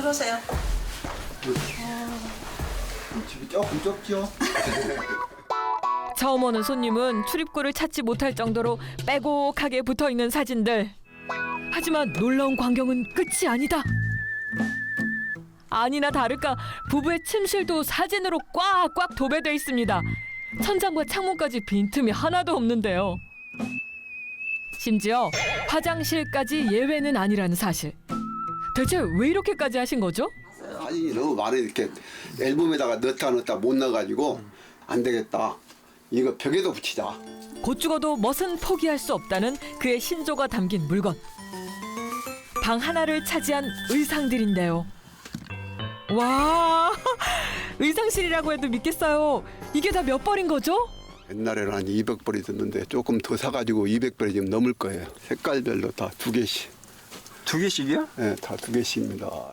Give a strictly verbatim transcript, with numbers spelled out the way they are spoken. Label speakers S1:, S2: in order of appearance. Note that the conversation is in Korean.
S1: 들어오세요.
S2: 집이 조금 좁죠?
S3: 처음 오는 손님은 출입구를 찾지 못할 정도로 빼곡하게 붙어있는 사진들. 하지만 놀라운 광경은 끝이 아니다. 아니나 다를까 부부의 침실도 사진으로 꽉꽉 도배돼 있습니다. 천장과 창문까지 빈틈이 하나도 없는데요. 심지어 화장실까지 예외는 아니라는 사실. 대체 왜 이렇게까지 하신 거죠?
S2: 사진이 너무 많아. 이렇게 앨범에다가 넣다 넣다 못 넣어가지고 안 되겠다. 이거 벽에도 붙이자.
S3: 곧 죽어도 멋은 포기할 수 없다는 그의 신조가 담긴 물건. 방 하나를 차지한 의상들인데요. 와, 의상실이라고 해도 믿겠어요. 이게 다 몇 벌인 거죠?
S2: 옛날에는 한 이백 벌이 됐는데 조금 더 사가지고 이백 벌이 지금 넘을 거예요. 색깔별로 다 두 개씩.
S4: 두 개씩이요?
S2: 네, 다 두 개씩입니다.